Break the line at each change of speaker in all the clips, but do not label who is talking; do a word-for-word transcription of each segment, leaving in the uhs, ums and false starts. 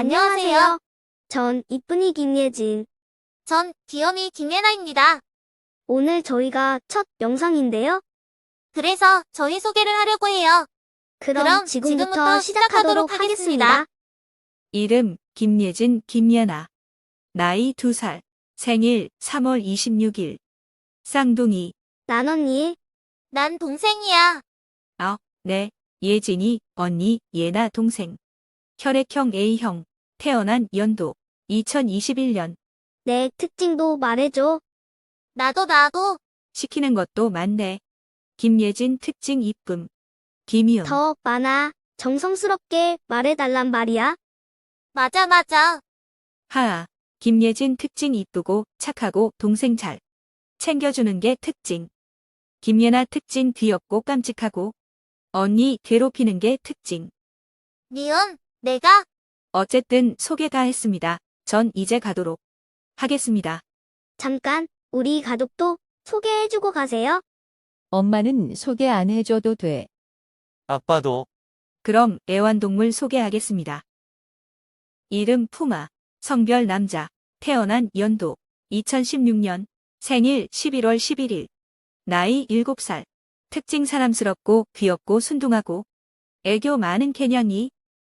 안녕하세요.
전 이쁜이 김예진.
전 귀염이 김예나입니다.
오늘 저희가 첫 영상인데요.
그래서 저희 소개를 하려고 해요.
그럼,
그럼
지금부터,
지금부터
시작하도록
시작하도록
하겠습니다.
하겠습니다.
이름 김예진 김예나. 나이 두 살. 생일 삼월 이십육일. 쌍둥이.
난 언니.
난 동생이야.
네. 예진이 언니 예나 동생. 혈액형 A형. 태어난 연도 이천이십일년.
내 특징도 말해줘.
나도 나도.
시키는 것도 많네. 김예진 특징 이쁨. 김이음.
더 많아. 정성스럽게 말해달란 말이야.
맞아 맞아.
하아. 김예진 특징 이쁘고 착하고 동생 잘 챙겨주는 게 특징. 김예나 특징 귀엽고 깜찍하고 언니 괴롭히는 게 특징.
니은 내가
어쨌든 소개 다 했습니다. 전 이제 가도록 하겠습니다.
잠깐, 우리 가족도 소개해주고 가세요.
엄마는 소개 안 해줘도 돼.
아빠도
그럼 애완동물 소개하겠습니다. 이름 푸마. 성별 남자. 태어난 연도 이천십육년. 생일 십일월 십일일. 나이 일곱 살. 특징 사람스럽고 귀엽고 순둥하고 애교 많은 개냥이.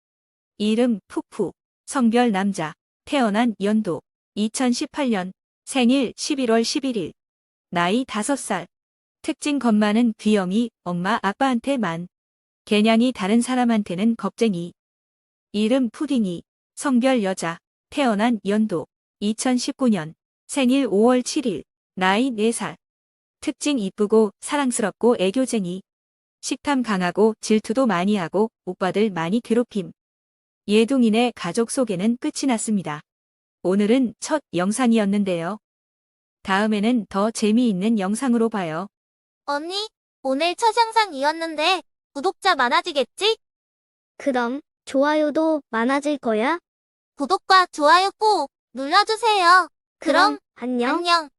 이름 푸푸. 성별 남자. 태어난 연도 이천십팔년. 생일 십일월 십일일. 나이 다섯 살. 특징 겁 많은 귀염이 엄마 아빠한테 만. 개냥이 다른 사람한테는 겁쟁이. 이름 푸딩이. 성별 여자. 태어난 연도 이천십구년. 생일 오월 칠일. 나이 네 살. 특징 이쁘고 사랑스럽고 애교쟁이. 식탐 강하고 질투도 많이 하고 오빠들 많이 괴롭힘. 예둥이네 가족 소개는 끝이 났습니다. 오늘은 첫 영상이었는데요. 다음에는 더 재미있는 영상으로 봐요.
언니 오늘 첫 영상이었는데 구독자 많아지겠지?
그럼 좋아요도 많아질 거야.
구독과 좋아요 꼭 눌러주세요. 그럼
안녕.
안녕.